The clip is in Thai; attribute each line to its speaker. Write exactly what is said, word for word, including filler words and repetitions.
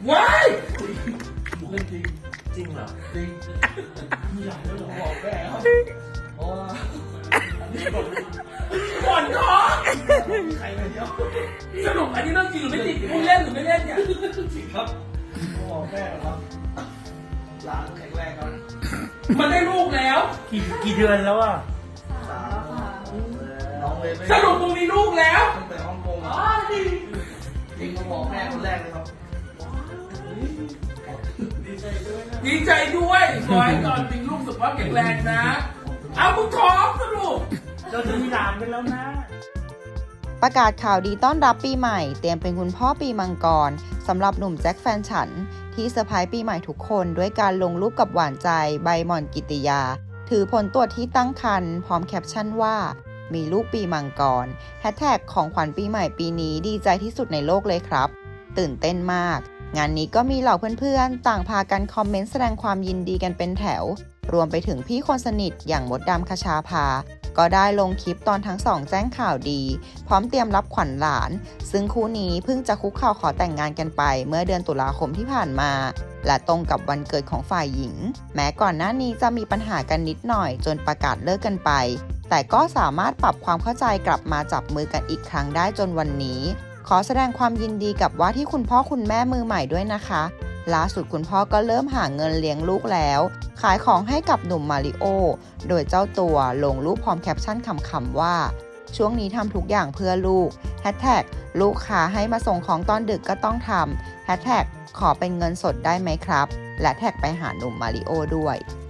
Speaker 1: ว้าย
Speaker 2: เรื่องจริงจริงเหรอ
Speaker 3: จริงมีหลายเรื่องบอกแม่ครับเพราะว่าอันนี้บอก
Speaker 1: ก่อนท้อง
Speaker 3: ใครไปเที่ยว
Speaker 1: สรุปอันนี้เรื่องจริงหรือไม่จริงพูดเล่นหรือไม่เล่นเนี่ย
Speaker 3: จริงครับบอกแม่ครับหลานแข็งแรงครับ
Speaker 1: มันได้ลูกแล้ว
Speaker 2: กี่กี่เดือนแล้วอ่ะ
Speaker 3: สามน้องเลยไม่
Speaker 1: สรุปมึงมีลูกแล้ว
Speaker 3: ตั้งแต่ฮ่องกง
Speaker 1: อ๋อดี
Speaker 3: จริงมาบอกแม่คนแรกเลยครับดีใจด้วยนะ
Speaker 1: ดีใจด้วยขอให้ตอนมีลูกสุขภาพแข็งแรงนะ เอามึงท้องสรุป
Speaker 2: เราจะมีหลานกันแล้วนะ
Speaker 4: ประกาศข่าวดีต้อนรับปีใหม่เตรียมเป็นคุณพ่อปีมังกรสำหรับหนุ่มแจ็คแฟนฉันที่เซอร์ไพรส์ปีใหม่ทุกคนด้วยการลงรูปกับหวานใจใบหม่อนกิติยา ถือผลตรวจที่ตั้งครรภ์พร้อมแคปชั่นว่ามีลูกปีมังกรแฮชแท็กของขวัญปีใหม่ปีนี้ดีใจที่สุดในโลกเลยครับ ตื่นเต้นมาก งานนี้ก็มีเหล่าเพื่อนๆ ต่างพากันคอมเมนต์แสดงความยินดีกันเป็นแถว รวมไปถึงพี่คนสนิทอย่างมดดำคชาภาก็ได้ลงคลิปตอนทั้งสองแจ้งข่าวดี พร้อมเตรียมรับขวัญหลาน ซึ่งคู่นี้เพิ่งจะคุกเข่าขอแต่งงานกันไปเมื่อเดือนตุลาคมที่ผ่านมา และตรงกับวันเกิดของฝ่ายหญิง แม้ก่อนหน้านี้จะมีปัญหากันนิดหน่อยจนประกาศเลิกกันไป แต่ก็สามารถปรับความเข้าใจกลับมาจับมือกันอีกครั้งได้จนวันนี้ ขอแสดงความยินดีกับว่าที่คุณพ่อคุณแม่มือใหม่ด้วยนะคะล่าสุดคุณพ่อก็เริ่มหาเงินเลี้ยงลูกแล้ว ขายของให้กับหนุ่มมาริโอ โดยเจ้าตัวลงรูปพร้อมแคปชั่นขำๆว่า ช่วงนี้ทำทุกอย่างเพื่อลูกแฮชแท็กลูกค้าให้มาส่งของตอนดึกก็ต้องทำแฮชแท็กขอเป็นเงินสดได้ไหมครับ และแท็กไปหาหนุ่มมาริโอด้วย